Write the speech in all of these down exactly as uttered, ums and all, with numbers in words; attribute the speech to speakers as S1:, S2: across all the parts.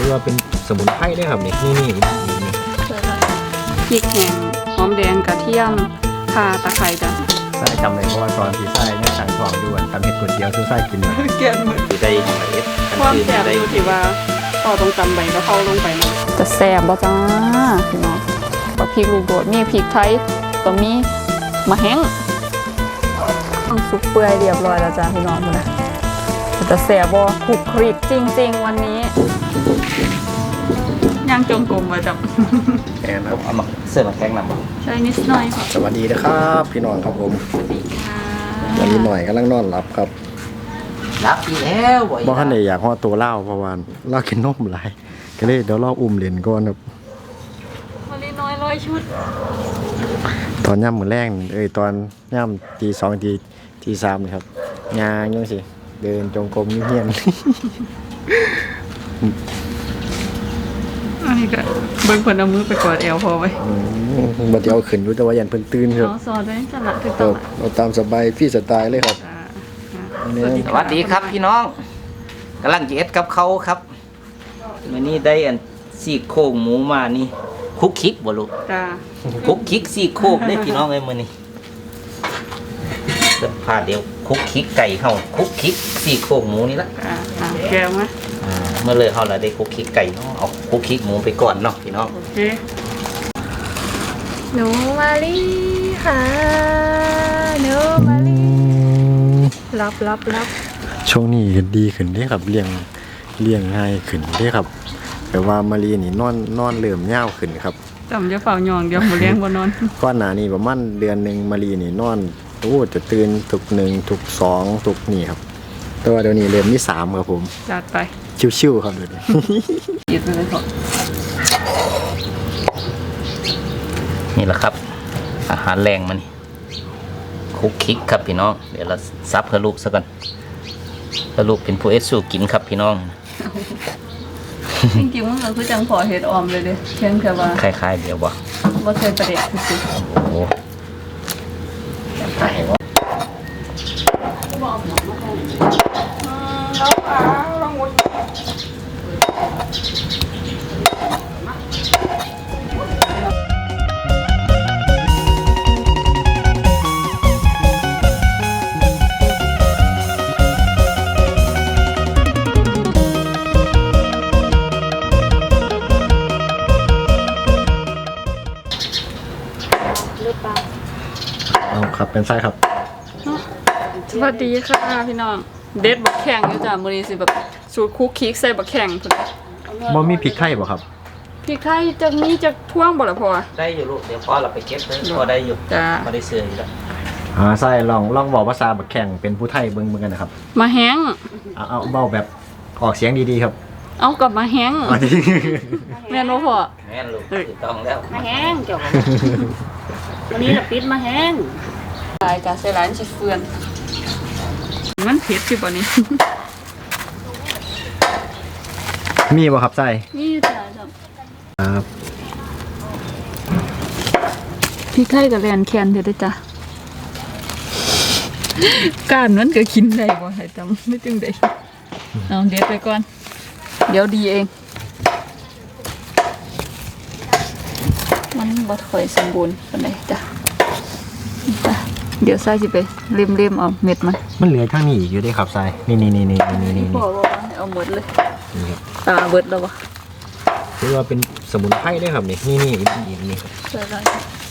S1: อว่าเป็นสมุนไพรได้ครับนี่นี่นี่นี่
S2: พริกแห้งหอมแดงกระเทียมข่าตะไคร้จ้ะ
S1: ใส่จำเลยเพราะว่าตอนที่ใส่เนี่ยทางทองด้วยทำเห็ดก๋วยเตี๋ยวซื้อใส่กินเลย
S2: เกี่ยนหมด
S1: คือได้เห็ด
S2: ความแซ่บอยู่ที่ว่าพอต้องจำใบกะเพราลงไปนะจะแซ่บบ่จ้าพี่น้องบักพริกลูกโดดมีพริกไทยก็มีมะแห้งต้องสุกเปื่อยเรียบร้อยแล้วจ้าพี่น้องนะจะแซ่บบ่คลุกคลิกจริงๆวันนี้ย่างจงกรมมาจับ
S1: แอนครับเอามาเสื้อมาแข้งนำ
S2: ใช่นิดหน่อยค่ะ
S1: สวัสดีนะครับพี่น้องครับผมวันนี้หน่อยกำลังนอนหลับครับ
S3: รับอีแล้วบ่
S1: บ่ทันได้อยากห่อตัวเล่าเพราะว่าเล่ากินนมหลายก็เลยเดี๋ยวเราอุ้มเหรียญก่อนครับ
S2: วันนี้น้อยร้อยชุด
S1: ตอนย่ำมือแรงเอ้ยตอนย่ำตีสองตีตีสามนี่ครับงานยังสิเดินจงกรมเงียบ
S2: อันนี้ก็เบิ่งเพิ่นเอามือไปกอดแอลพอไว้
S1: บ่ได้เอาขึ้นรู้แต่ว่ายันเพิ่นตื่นครับ
S2: อ๋อสอดไว้จังละคือต้อง
S1: เอาตามสบายพี่สไตล์เลยครับ
S3: สวัสดีครับพี่น้องกำลังจะเอ็ดกับเขาครับมื้อนี้ได้อันซี่โครงหมูมานี่คุกคิกบ่ลูก
S2: จ้า
S3: คุกคิกซี่โครงได้พี่น้องเอ้ยมื้อนี้จะพาเดี๋ยวคุกคิกไก่เฮาคุกคิกซี่โครงหมูนี่ละ
S2: อ่าแก้วมั้ย
S3: อ่าเมื่อเลยเฮาละได้คุกคิกไก่เนาะเอาคุกคิกหมูไปก่อนเนาะพี่น้อง
S2: โอเคหนูมาลีค่ะหนูมาลีรับรับรับ
S1: ช่วงนี้ดีขึ้นเด้ครับเลี้ยงเลี้ยงง่ายขึ้นเด้ครับแต่ว่ามารีนี่นอนนอนเริ่มยาวขึ้นครับ
S2: จำจะเฝ้ายองเดี๋ยวบ่เลี้ยงบ่นอน
S1: ก่อนหน้านี้ประมาณเดือนนึงมารีนี่นอนโอ้จะตื่นทุกหนึ่งทุกสองทุกนี่ครับแต่ว่าเดี๋ยวนี้เริ่มที่สามครับผม
S2: จัดไป
S1: ชิวๆครับเดี๋ยวนี้
S2: หยิบไปเลยครับ
S3: นี่แหละครับอาหารแรงมันคุกคิกครับพี่น้องเดี๋ยวเราซับให้ลูกซะก่อนแล้วลูกเป็นผู้เอสสูกินครับพี่น้อง
S2: จริงๆมันก็คือจังพอเห็ดออมเลยเด้เช่นแค่ว่า
S3: คล้ายๆเดี๋ยวบ่
S2: บ่เคยประเด็ดคือ
S3: โอ้โหตายแล้ว
S1: ครับเป็นไส้ครับ
S2: สวัสดีค่ะพี่น้องเด็ดบักแข่งอยู่จ้ะมื้อนี้สิแบบสูตรคุกคิกใส่บักแข่งพุ่น
S1: บ่มีพริกไทยบ่ครับ
S2: พริกไทยจักมีจักท่วงบ่ล่ะพ่อ
S3: ได้อยู่ลูกเดี๋ยวพ่อเราไปเก็บเลยพอได้อยู่
S2: จ้ะ
S3: บ่ได้เสื่ออยู่แล้ว
S1: อ่าใส่ลองลองบอกภาษาบักแข่งเป็นผู้ไทยเบิ่งๆกันนะครับ
S2: มาแห้ง
S1: เอาเอาเว้าแบบออกเสียงดีๆครับ
S2: เอากลับมาแห้งแม่นบ่พ่อ
S3: แม่นลูกถูกต้องแล้ว
S4: มาแห้งเจ้าวันนี้เราปิดมาแห้ง
S2: รายการใส่ร้านชิฟเฟือนมันเผ็ดสิบ่นี้
S1: มีบ่ครับใส่
S2: มีจ้ะ
S1: ครับ
S2: พริกไทยกับแลนแคนเด้อจ้ะก้านนั้นก็กินได้บ่ให้จำไม่จึงได้เอาเด็ดไปก่อนเดี๋ยวดีเองมันบ่ค่อยสมบูรณ์ปานใดจ้ะเดี๋ยวใส่สิไปเล่มๆเอาเม็ดมัน
S1: มันเหลือข้างนี้อีกอยู่ด้วยครับใส่นี่นี่นี่นี่นี่นี่
S2: พ่อบอกว่าเอาหมดเลยตาเบิดแล้ววะ
S1: คือว่าเป็นสมุนไพรได้ครับนี่นี่นี่นี่นี่
S2: ใส่ได้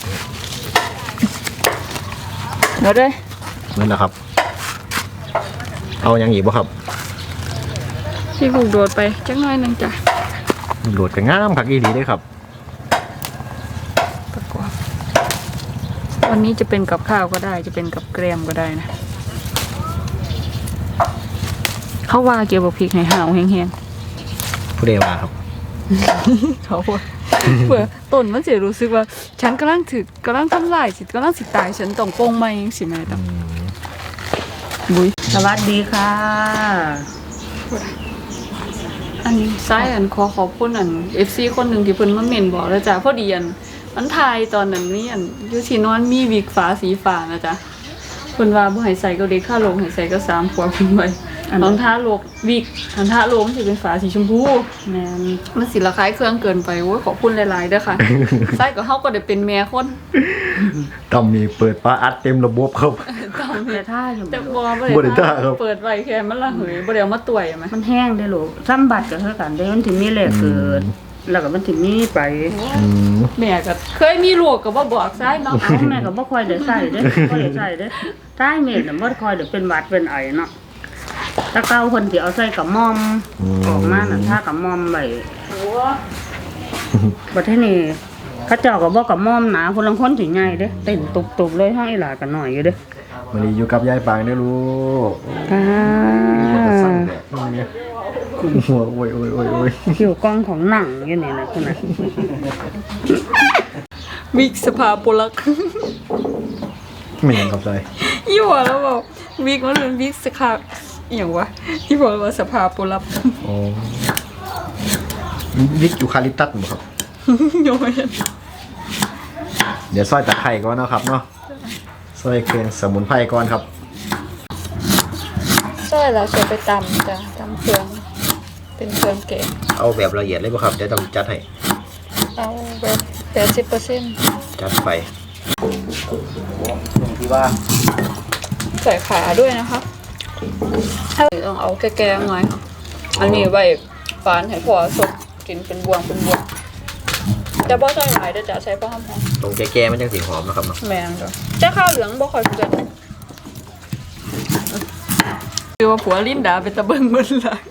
S2: เดี๋ยวได้
S1: นั่นแหละครับเอาอย่างอีกบ่ครับ
S2: ที่ผูกโดดไปจักหน่อยนึงจ้ะ
S1: โดดก็งามผักอีดีด้วยครับ
S2: วันนี้จะเป็นกับข้าวก็ได้จะเป็นกับแกล้มก็ได้นะเขาว่าเกี่ยวกับพริกให้ห่าวแห้ง
S1: ๆผู้ใดว่าครับ
S2: เขาเพื่อต้นมันจะรู้สึกว่าฉันกำลังถือกำลังทำลายสิกำลังสิตายฉันต้องโป้งมาเองสิแม่ต้องบุย
S4: สวัสดีค่ะ
S2: อันนี้ซ้ายอันขอขอบคุณอันเอฟซีคนหนึ่งที่เพิ่นมาเมนบอกแล้วจ้ะพอดีอันมันทายตอนนั้นนี่อันอยู่ที่นอนมีวิกฟ้าสีฟ้านะจ๊ะเพิ่นว่าบ่ให้ใส่ก็เด็กค่าลงให้ใส่ก็สามขวบขึ้นไปรองเท้าโลกวิกรองเท้าโลกมันสิเป็นฝาสีชมพู
S4: แม่น
S2: มันสิระคายเครื่องเกินไปโอ้ยขอบคุณหลายๆเด้อค่ะ ใส่ก็เฮาก็ได้เป็นแม่คน
S1: ต้องมีเปิดฟ้าอัดเต็มระบบครับ
S2: ต้อง
S4: แต่ท่าอยู่
S2: แต่บ่
S1: บ่ได้ท่าครับ
S2: เปิดไว้แค่มันละเหยบ่ได้เอามาต่วยไหม
S4: มันแห้งได้อลูกซ้ำบัตรก็คือกันได้มันถึงมีแหลกเกิด แล้วก็มันถึงมีไป
S1: อืม
S2: แม่ก็เคยมีลูกก็บ่บอกใส่เนาะ
S4: เอาแม่ก็บ่ค่อยได้ใส่เด้อบ่ได้ใส่เด้อท้ายเม็ดน่ะบ่ค่อยได้เป็นหวัดเป็นไอเนาะถ้าเก่าเพิ่นสิเอาใส่กับมอมออกมาน่ะถ้ากับมอมไว้
S2: โอ้
S4: บัดทีนี้เขาเจ้าก็บ่กับมอมหนาคนลังคนสิใหญ่เด้อเต้นตุบๆเลยห้องอีหลาก็น้อยอยู่เด้อ
S1: วันนี้อยู่กับยายปางเด้อลูก
S4: ค่ะ
S1: มันจะสั่นแบบนี้หัวโอ้ยโอ้ยโอ้ยโอ้ย
S4: คิวกล้องของหนังอยู่นี่นะคุณน่ะ
S2: วิกสภาโปลัก
S1: ไม่ยังกับใจ
S2: ยี่ห้อแล้วบอกวิกมันเป็นวิกสภาอหย่างวะยี่ห้อว่าสภาโปลัก
S1: โอ้วิกยูคาลิปตัสบ่ครับ
S2: โยน
S1: เดี๋ยวซอยตะไคร้ก่อนเนาะครับเนาะซอยเครื่องสมุนไพรก่อนครับ
S2: ใช่แล้วจะไปตำจ้ะตำเครื่องเป็นเครื่องแกง
S1: เอาแบบละเอียดเลยบ่ครับเดี๋ยวต้องจัดให้
S2: เอาแบบแปดสิบเปอร์เซ็นต์
S1: จัดไปตรงที่ว่า
S2: ใส่ขาด้วยนะคะถ้าต้องเอาแก่ๆหน่อยค่ะอันนี้ไว้ฝานให้พอสดกินเป็นบวงเป็นบวงแต่บ่ใส่หลายเด้อจ้ะใช้พอหอม
S1: ตรงแก่ๆมันจังสีหอมนะครับเนาะ
S2: ๆแม่นจ้ะจะข้าวเหลืองบ่ค่อยเกินคือว่าผัวลิ้นดาเป็นตะเบิงเบิ่นหลัง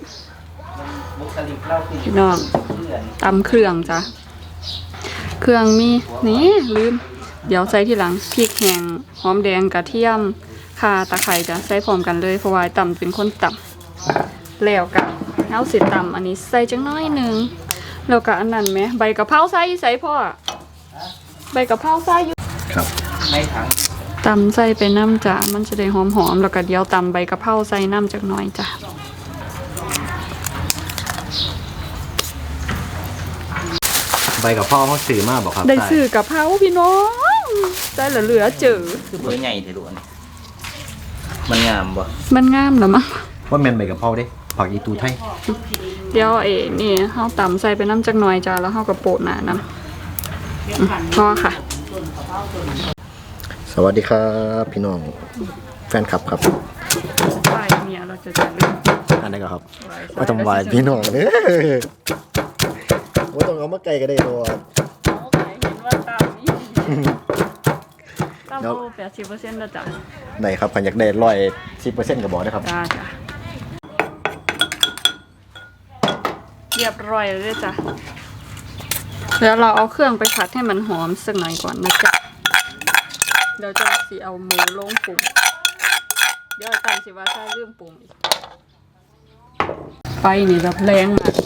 S2: พี่น้องตำเครื่องจ้ะเครื่องมีนี่ลืมเดี๋ยวใส่ทีหลังพริกแห้งหอมแดงกระเทียมข่าตะไคร้จ้ะใส่พร้อมกันเลยเพราะว่าตำเป็นคนตำแล้วก็เอาสิตำอันนี้ใส่จังน้อยหนึงแล้วก็อันนั้นไหมใบกะเพราใส่ใส่พ่อใบกะเพราใส่อยู่
S1: ครับ
S2: ตำใส่ไปน้ำจ้ะมันจะได้หอมๆแล้วก็เดี๋ยวตำใบกะเพราใส่น้ำจักหน่อยจ้ะ
S1: ใบกับพ่อเขาสื่อมากบอกครับ
S2: ได้ซื้อกะเพราพี่น้องใส่เหลือๆเจอ
S3: คือเบอร์ใหญ่เถอะลูกอันนี้มันงามบ่
S2: มันงามเหรอมั้ง
S1: ว่าแมนใบกับพ่อเด้ผักอีตูไทย
S2: เดี๋ยวเอ๋นี่เฮาตำใส่ไปน้ำจักหน่อยจ้ะแล้วเฮาก็โปะหน้าน้ำพอค่ะ
S1: สวัสดีครับพี่น้องแฟนคลับครับ
S2: ไหวเมียเราจะจะลืม
S1: อันนี้ก็ครับว่าต้องไหวายพี่น้องเด้อว่าต้องเอามาไกลก็ได้ตัว
S2: โอเคเห็นว่าตำนี่ตำโลแปดสิบเปอร์เซ็นต์แล้วจ้ะ
S1: ไหนครับพันอยากได้ร้อยสิบเปอร์เซ็นต์ก็บอกนะครับ
S2: จ้าจ้ะเรียบร้อยเลยจ้ะแล้วเราเอาเครื่องไปผัดให้มันหอมสักหน่อยก่อนนะจ๊ะเดี๋ยวจะสีเอาหมูลงปรุงเดี๋ยวตามสิว่าใช่เรื่องปรุงอีกไฟนี่แบบแรงมาก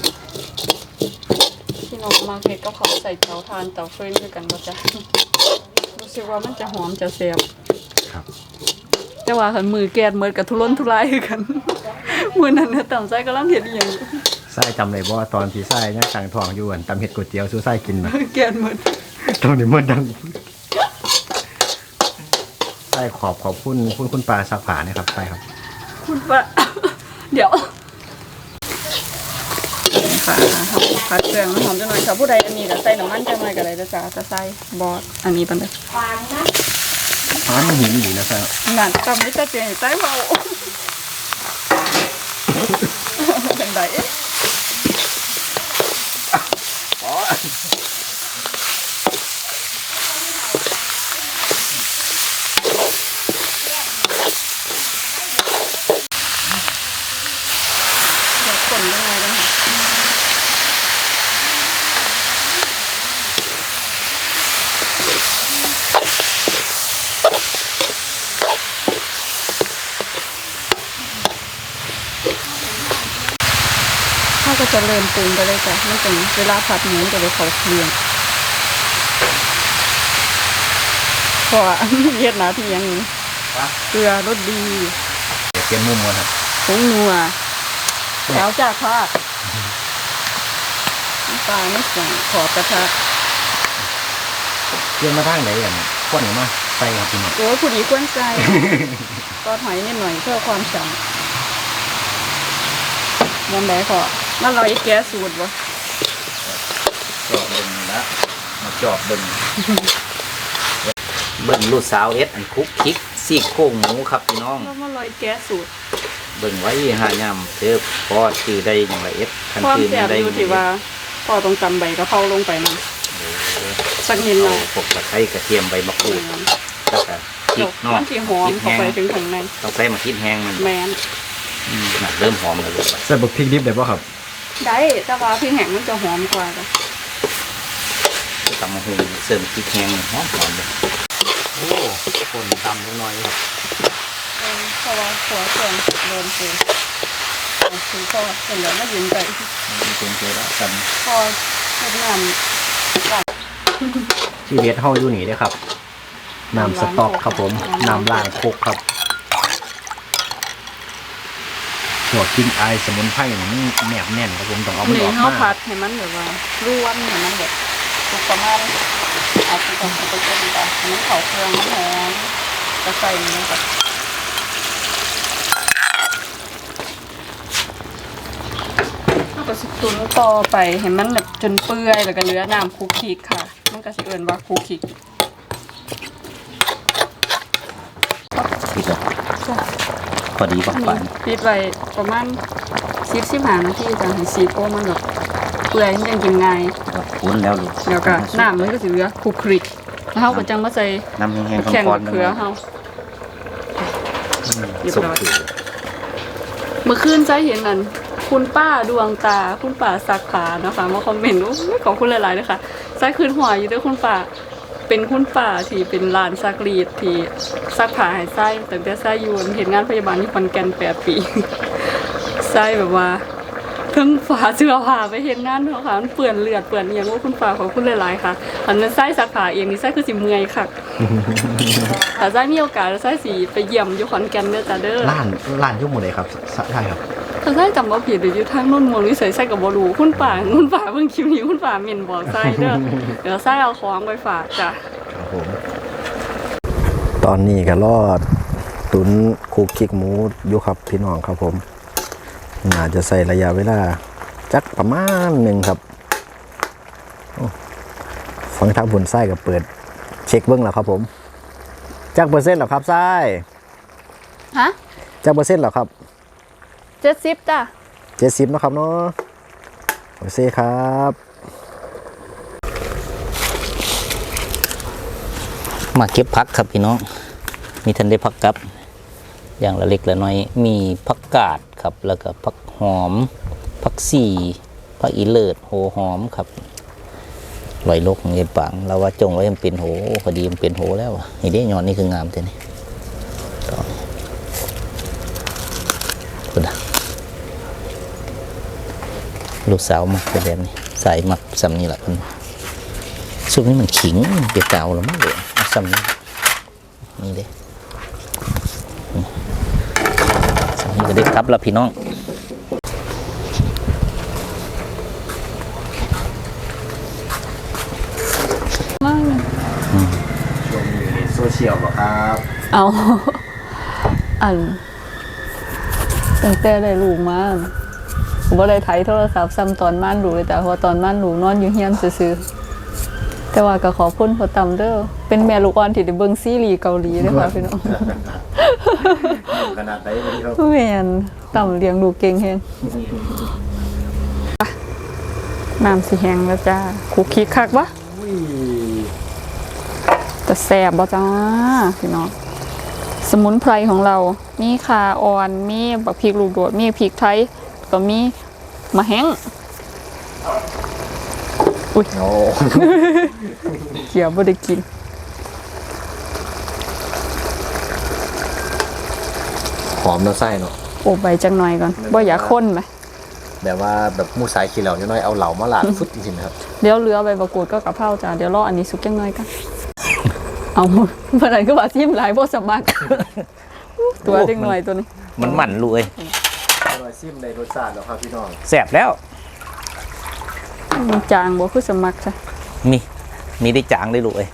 S2: พี่น้องมาเก็ตก็เขาใส่เตาถ่านเตาฟืนด้วยกันก็จะรู้สึกว่ามันจะหอมจะแซ่บ
S1: ครับ
S2: แต่ว่าขันมือแกดมือกับทุรนทุรายคือกัน มือนั้นเนี่ยต่ำไส้ก็ล่ำเห็ดอหย่าง
S1: ไส้จำเลยว่าตอนที่ไส้ยังต่างทองอยู่อันตำเห็ดก๋วยเตี๋ยวสู้ไส้กินนะ
S2: แกดมือ
S1: ตอนนี้มันดังไส้ขอบขอบคุณคุณคุณปลาสักผานะครับไส้ครับ
S2: คุณว่า เดี๋ยวค่ะผัดเครื่องหอมจังหน่อยค่ะผู้ใดอันนี้ก็ใส่น้ำมันจังหน่อยก็ได้จะจ้าจะใส่บอสอันนี้เป็นแบบ
S1: ร้านมันหินอยู่นะครับ
S2: หนังตำไม่จะเจียงใส่เบาเป็นไงเดี๋ยวคนยังไงกันค่ะถ้าก็จะเริ่มปรุงไปเลยจ้ะไม่ถึงเวลาผัดหมูจะไปเขาเคลียงเพราะว่า เย็ดหนาที่ยังนี้เกลือรสดี
S1: เดี๋ยวเตรียมมุมก่อนครับ
S2: ผงนัวแล้วจากพาดน้ำปลาไม่ใส่ขอบกระทะ
S1: เตรียมมาทางไหนอย่างขวดหนูมาใส่ครับพี่น้อง
S2: โอ้ยผู้ดีกวนใจ ก็หอยนิดหน่อยเพื่อความฉ่ยังไงพอมันเราไอ้แก้สูตรบ่
S3: จอบเบิ่งแล้วมาจอบเบิ่ง เบิ่งลูกสาวเอ็ดอันคุกคิกซี่โครงหมูครับพี่น้อง
S2: แล้วมันลอยแก้สูตร
S3: เบิ่งไว้หายำเธอพอชื่อได้อย่างไรเอ็ดคัน
S2: ความ
S3: ชื่อ
S2: แซ่บ
S3: ได้
S2: อยู่ที่ว่าพอต้องจำใบกะเพราลงไปมันสักนิดหน่
S3: เอา
S2: อย
S3: พวกตะไคร้กระเทียมใบมะกรูดแล้วก็พริกเนาะ
S2: มันที่หอมเข้าไปถึงข้างใน
S3: ต้องใส่มาคิดแห้งมัน
S2: แมน
S3: อืมน่ะเริ่มหอมแล้วลูก
S1: ใส่บักพริกดิบได้ป่ะครับ
S2: ได้แต่ว่าพริกแห้งมันจะหอมกว่าจ้ะ
S3: ตำมะฮุงเสริมพริกแห้งหอมหอมเลย
S1: โอ้คนตำนิดหน่อยครับ
S2: เออเพราะว่าหัวเครื่องโดนคือคือพอเสร็จแล้วมายืนไป
S3: มีคนเจอแล้วกัน
S2: พอเฮ็ดน้ำ
S1: ที่เด็ดเฮาอยู่นี่เด้อครับน้ำสต๊อกครับผมน้ำล้างโคกครับหัวกินไอายสมุนไพรนี่มันแนบแน่นครับผมต้องเอามัน
S2: นี่
S1: ออก
S2: เฮา
S1: มา
S2: ผัดให้มันแบบว่าร่วนให้มันแบบสุกประมาณอาจจะต้องไปต้มก่อนให้มันเข้าเครื่องมันหอมจะใส่นี้ก่อนแล้วก็สิตุนต่อไปให้มันแบบจนเปื่อยแล้วก็เหลือน้ำคุกคิกค่ะมันก็สิเอิ้นว่าคุกคิก
S3: ปิดแล้ว
S2: จ้ะ
S3: พอดีปังปัน
S2: ปิดไว้ประมาณสิบสิบห้านาทีจังให้ซีโป้มันแบบเปื่อยมันยังกินง่าย
S3: คุ้นแล้วลูก
S2: เดี๋ยวก็น้ำมันก็สิเหลือคลุกคลิกแล้วเฮาก็จังมาใส่
S3: น้ำแห้งๆ
S2: แข่ง
S3: ร้อ
S2: กับ
S3: นๆ
S2: เขือเฮา เรียบ
S3: สุก
S2: ร้อย
S3: ถือ
S2: เมื่อคืนใจเห็นนั่นคุณป้าดวงตาคุณป้าสักขาเนาะคะมาคอมเมนต์ว่าอุ๊ยขอบคุณหลายๆเลยค่ะใจคืนหัวอยู่ด้วยคุณป้าเป็นคุณป้าที่เป็นร้านซักรีดที่ซักผ้าให้ไส้ตั้งแต่ไส้อยู่เห็นงานพยาบาลที่ขอนแก่นแปดปี ไส้แบบว่าเพิ่งฝาเสื้อผ้าไปเห็นงานเนาะค่ะมันเปื่อนเลือดเปื่อนอหย่างว่าคุณป้าขอบคุณหลายๆค่ะอันนั้นไส้ซักผ้าเองนี่ไส้คือสิเมื่อยค่ะ ถ้าไส้มีโอกาสไส้สีไปเยี่ยมอยู่ขอนแก่นเด้อจ้าเด้อ
S1: ร้านร้านอยุ่หมดเลยครับสใช่ครับ
S2: ถ้าไส้จำว่าผิดหรืออยู่ทางโน่นมวลวิสัยไส้กับบรูคุณป่าคุณป่าเพิ่งคลิปนี้คุณป่าเมียนบอกไส้เด้อ เดี๋ยวไส้เอาของไปฝากจ้ะ
S1: ครับผมตอนนี้ก็รอดตุนคุกคิกหมูอยู่ครับพี่น้องครับผมน่าจะใส่ระยะเวลาจักประมาณหนึ่งครับโอ้ฟังทางผลไส้กับเปิดเช็คเบิ้งแล้วครับผมจักเปอร์เซ็นต์เหรอครับไส้
S2: ฮะ
S1: จักเปอร์เซ็นต์เหรอครับ
S2: เจ็ดสิบจ้ะ
S1: เจ็ดสิบนะครับเนาะโอเคครับ
S3: มาเก็บผักครับพี่น้องมีทันได้ผักกับ อย่างละเล็กละน้อยมีผักกาดครับแล้วก็ผักหอมผักสีผักอีเลิศโหหอมครับลอยโลกของเย็นปังเราว่าจงไว้มันเป็นโหพอดีมันเป็นโหแล้วอะนี่ได้ยอนนี่คืองามแต่นี่ต่อคุณอะลูกสาวมักเป็นแบบนี้ใส่มักซ้ำนี่แหละคุณซุปนี้มันขิงเปียกเก่าแล้วมั้งเดี๋ยวเอาซ้ำนี่นี่เด้ซ้ำนี่ก็ได้ครับแล้วพี่น้อง
S2: มากเลย
S1: ช่วงนี้โซเชียลเหรอครับ
S2: เอา อันตั้งแต่ได้ลูกมาผมบ่ได้ไถโทรศัพท์ซ้ำตอนม่านลูกเลยแต่พอตอนม่านลูกนอนอยู่เฮียนซื่อๆแต่ว่าก็ขอบคุณพ่อตำเด้อเป็นแม่ลูกอ่อนที่ได้เบิ่งซีรีส์เกาหลีเด้อค่ะพี่น้อง
S1: ขนาดไหนวันนี้ครับ
S2: แม่นตำเลี้ยงลูกเก่งแฮงน้ำสิแห้งแล้วจ้าคุกคิกคักวะ
S1: อุ้ย
S2: จะแซ่บบ่จ้าพี่น้องสมุนไพรของเรามีข่าอ่อนมีบักพริกลูกโดดมีพริกไทยก็มีมะแห้งอุ้ย
S1: โอ้
S2: เกี่ยวบ่ได้กิน
S1: หอมน้ำไส้เนาะ
S2: โอบใบจังหน่อยก่อนบ่อยากข้นไหม
S1: แบบว่าแบบหมูสายขี้เหล่าน้อยๆเอาเหล่ามาหลาดฟุตจริงๆนะครับ
S2: เดี๋ยวเหลือใบมะกรูดก็กะเพราจ้าเดี๋ยวรออันนี้สุกจังหน่อยกันเอาเมื่อไหร่ก็ว่าซิมหลายบ่สมัคร ตัวจังหน่อยตัวนี้
S3: มันหมั่นลูกเอ้ย
S1: อร่อยซิมในรสชาติแล้วครับพี่น้อง
S3: แสบแล้ว
S2: มันจางบ่คือสมัครจ้ะ
S3: มีมีได้จางได้ลูกเอ้ย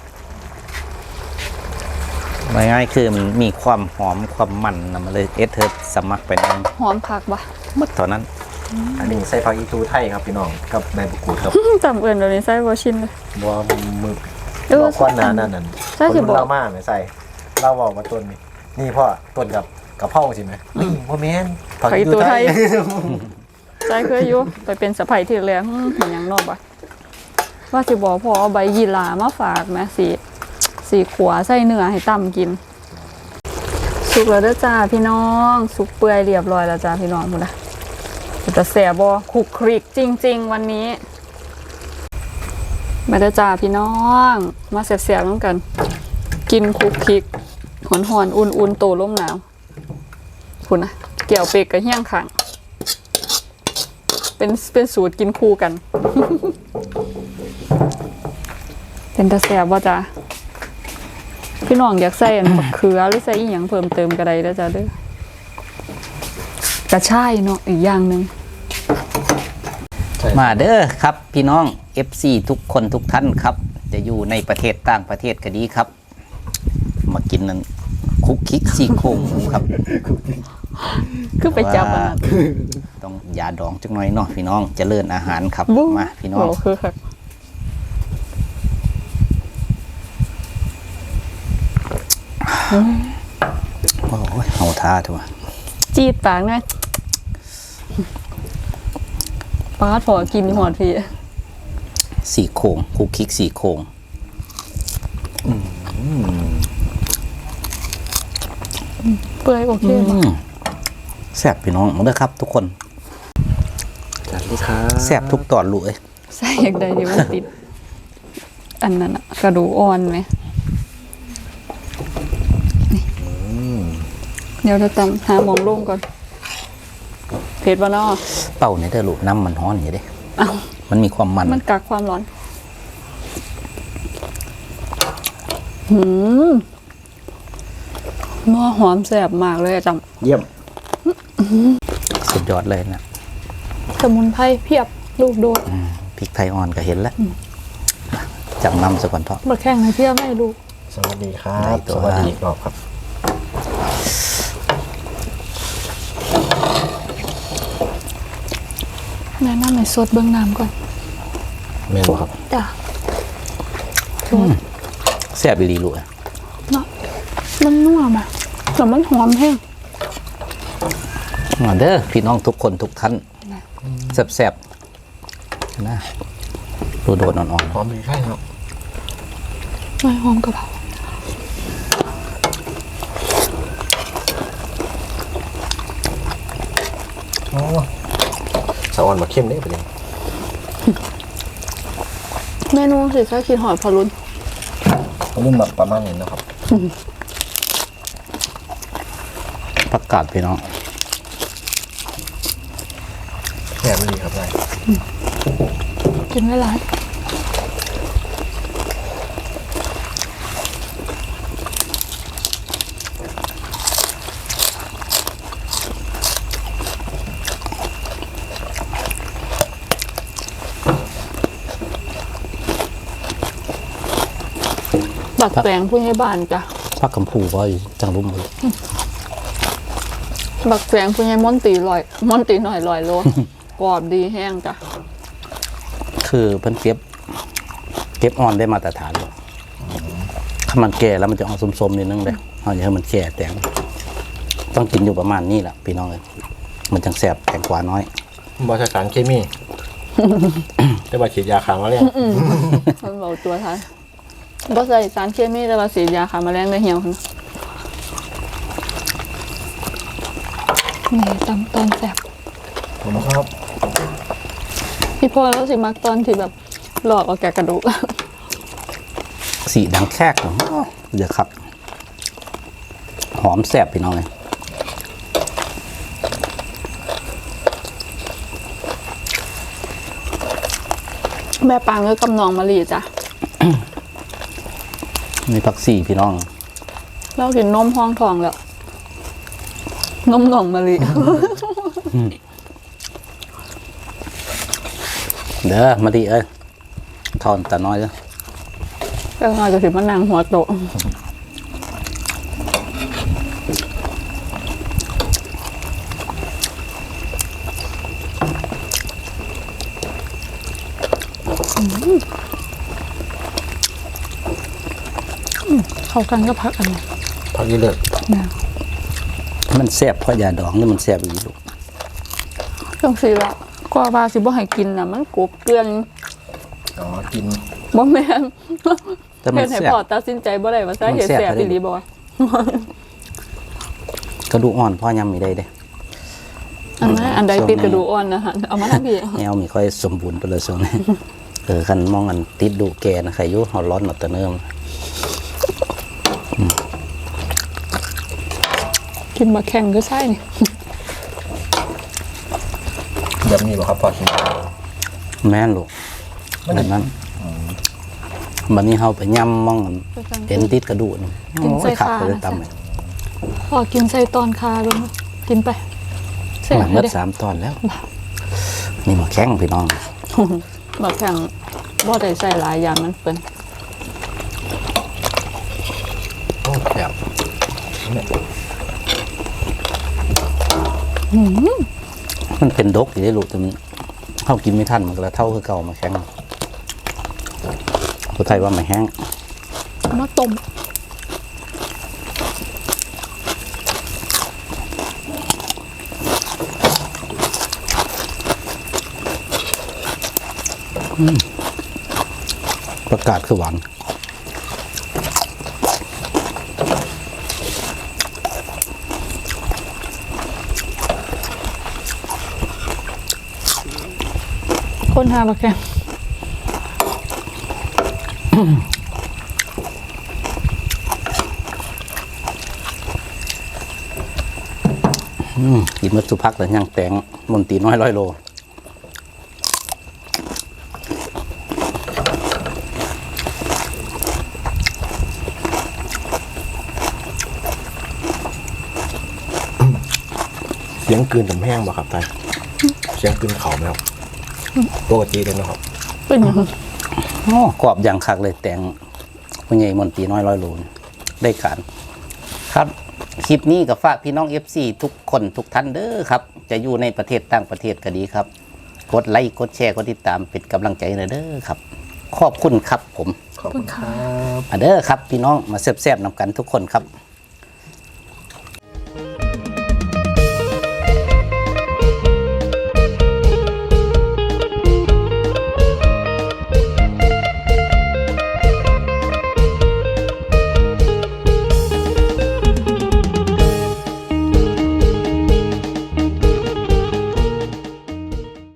S3: ง่ายๆคือมันมีความหอมความมันนะมันเลยเอสเธอสมัครไปนั่น
S2: หอมผักบ่
S3: หมดเท่านั้น
S2: อ
S1: อันนี้ใส่ผักอีตูไทยครับพี่น้องกับใบมะกรูดครับ
S2: จำเอื่นเดี๋ยวนี้ใส่บ่ชินเลย
S1: บัวมือ
S2: เออ
S1: บอกก้อนหนานั่นนั่น
S2: ใช่สิ
S1: คน
S2: บอก
S1: เล่ามากเลยใส่เล่าบอกมาต้นนี่นี่พ่อต้นกับกับเผาใช่ไหมนี่พ่อแม่นผักอีตูไทย
S2: ใส่เคยอยู่ไปเป็นสะใภ้ที่แรงเหมือนหยังนอกบ่ว่าสิบอกพอเอาใบยีหรามาฝากแม่สีสีขัวใส่เนื้อให้ต่ำกิน สุกแล้วเด้อจ้าพี่น้องสุกเปื่อยเรียบร้อยแล้วจ้าพี่น้องหมดละแต่แสบบ่คลุกคลิกจริงๆวันนี้มาเด้อจ้าพี่น้องมาแสบๆน้ำกัน กินคลุกคลิกหอนหอนๆอุ่นๆโตร่มหนาวคุณนะเกี่ยวเป็กกับเฮี้ยงขังเป็นเป็นสูตรกินคู่กัน เป็นตาแสบว่าจ้าพี่น้องอยากใส่อันบักเขือหรือใส่อีหยังเพิ่มเติมก็ได้แล้วจ้าเด้อกระชายเนาะอีกอย่างหนึ่ง
S3: มาเด้อครับพี่น้อง เอฟ ซี ทุกคนทุกท่านครับ จะอยู่ในประเทศต่างประเทศก็ดีครับ มากินนั้นคุกคิกซี่โครงหมูครับ
S2: คือไปจับอันนั้น
S3: ต้องยาดองจังหน่อยเนาะพี่น้องเจริญอาหารครับ
S2: บุ๊
S3: มาพี่น้อง
S2: โอ้คือค่ะ
S3: โอ้ยเฮาท่าทั่ว
S2: จีดปากไงปาดพอกินหอดพี่
S3: สี่โครงคุกคิกสี่โครง
S2: เปื่อยโอเค
S3: อื
S2: บ่
S3: มแซ่บพี่น้องมาเด้อครับ ทุกคน
S1: สวัสดีครับ
S3: แซ่บทุกตอนลูกเอ้ย
S2: ใส่อย่างใดที่มันติด อันนั้นอะกระดูกอ่อนไหมนี่เดี๋ยวเราตำหาหมองลงก่อนเผ็ดบ่เนาะ
S3: เป่าในเด้อลูกน้ำมันฮ้อนอยู่เด้
S2: เอ้า
S3: มันมีความมัน
S2: มันกักความร้อน หืมนัวหอมแซ่บมากเลยอะจ
S1: เยี่ยม
S3: สุดยอดเลยนะ
S2: ำสมุนไพรเพียบลูกโดด
S3: อืมพริกไทยอ่อนก็เห็นแล้วจังน้ำซะก่อนเถอะ
S2: มาแข่งในเพียบไม่ลูก
S1: สวัสดีครั
S3: ได้
S1: บ
S3: ตัว
S1: สวัสดีอีกรอบครับ
S2: แนะนำให้สดเบื้องน้ำก่อน
S1: เมนครับ
S2: จ้ะ
S3: แซ่บอีหลีลูกเอ้ย
S2: เนาะมันนัวมาแต่มันหอมแห้ง
S3: มาเด้อพี่น้องทุกคนทุกท่านแซ่บๆนะดูโดดอ่อน
S1: หอมดีใช่ครับ
S2: ไม่หอมกระเพรา
S1: โอ้สะออนมาเข้มได้ปะเนี่ย
S2: เมนูสิใช้คิดหอยพะลุน
S1: รุ่นแบบประมาณนี้นะครับ
S3: ๆผักกาดพี่น้อง
S1: แย่ไม่ดีครับได้
S2: กินไม่ร้าย บักแตงผู้ใหญ่บ้านจ้ะ
S3: ผักกำพูก็อยู่จังรุ่มเลย
S2: บักแตงผู้ใหญ่ม่อนตีลอยม่อนตีหน่อยลอยโล กรอบดีแห้งจ้ะ
S3: คือเพิ่นเก็บ เก็บอ่อนได้มาตรฐานเลยถ้ามันแก่แล้วมันจะออกส้มๆนิดนึงเลยเอาอย่างให้มันแก่แตงต้องกินอยู่ประมาณนี้แหละพี่น้องเลยมันจังแสบแตงกวาน้อย
S1: บริษัทเคมี ได้มาฉีดยาขางมาแล้ว
S2: มันบอกตัวท้ายบ่ใส่สารเคมีแต่ว่าสีดยาฆ่าแมลงได้เหี่ยวนะนี่ตำตอนแซ่บ
S1: ผมครับ
S2: พี่พ่อแล้วสิมักตอนที่แบบหลอกเอาแกะกระดูก
S3: สีดังแคกเนาะเดี๋ยวครับ หอมแสบพี่น้องเลย
S2: แม่ปางก็กำนองมะลิจ้ะ
S3: มีผักสีพี่น้อง
S2: เรากินนมห้องทองแล้วนมหนองมะลิ
S3: เด้อมาดีเอ้ยทอนแต่น้อยเด้อ
S2: ก็อาจจะถึงมานางหัวโตเข้ากันก็พักอันนี้
S1: พักยี่เลิศ
S2: แม่
S3: มันแซ่บเพราะยาดองนี่มันแซ่บอีกลูก
S2: เครื่องสีละก็ว่าสิบ่ให้กินน่ะมันกบเกลือน
S1: อ๋อกิน
S2: บ่แม่น
S3: แต่มัน
S2: เฮ็ดให้
S3: แซ่บ
S2: พ่อตัดสินใจบ่ได้ว่าซะเฮ็ดแซ่บอีหลีบ่วะ
S3: กระดูกอ่อนพ่อยำมีได้เด้
S2: อันนั้นอันใดติดกระดูกอ่อนนะฮะเอามาทำพี่
S3: แนวมีค่อยสมบูรณ์ไปเลยส่วนนี้ เออคันมองอันติดดูแกนะใครอยุ่เฮาร้อนหนอตะเนิ่ม
S2: กินมาแข่งก็ใช่นี่
S1: แบบนี้บ่ครับพอกิน
S3: แม่นลูกแบบนั้นบัดนี้เฮาไปย่ำมองอันเห็นติดกระดูกนี่
S2: กิน
S3: โอ้
S2: ใส่
S3: ยขับ
S2: ขา
S3: ไปเลย
S2: นะ
S3: ตำเลย
S2: พอกินใส่ตอนคาลงกินไปแซ่บ
S3: หลัง
S2: เล
S3: เมื่
S2: ย
S3: อ
S2: เด้
S3: สามตอนแล้ว นี่มาแข้งพี่น้อง
S2: มาแข่งบ่ได้ใส่หลายอย่างมันเปิ้น
S1: โอ้แบบเนี่ย
S3: มันเป็นดกอยู่ได้ลูกแต่มันเฮากินไม่ทันมันก็ละเท่าคือเก่ามาแข้งผู้ไทยว่าไม่แห้ง
S2: เอามาต้ม
S3: ประกาศคือหวาน
S2: คนหามาแข่ง
S3: อืมกินมัดสุพักแต่ยังแตงมนตรีน้อยร้อยโล
S1: เสียงกลืนกับแห้งบ่ครับไตเสียงกลืนเข่าไหมครับปกติเลยนะครับ
S2: เป็นหยัง
S3: โอ้กรอบอย่างคักเลยแตงผู้ใหญ่มนตรีน้อยร้อยโลนี่ได้การครับ คลิปนี้กับฝากพี่น้อง เอฟ ซี ทุกคนทุกท่านเด้อครับ จะอยู่ในประเทศต่างประเทศก็ดีครับ กดไลค์กดแชร์กดติดตามเป็นกำลังใจหน่อยเด้อครับ ขอบคุณครับผม
S1: ขอบคุณครับ
S3: มาเด้อครับพี่น้องมาแซ่บๆนำกันทุกคนครับ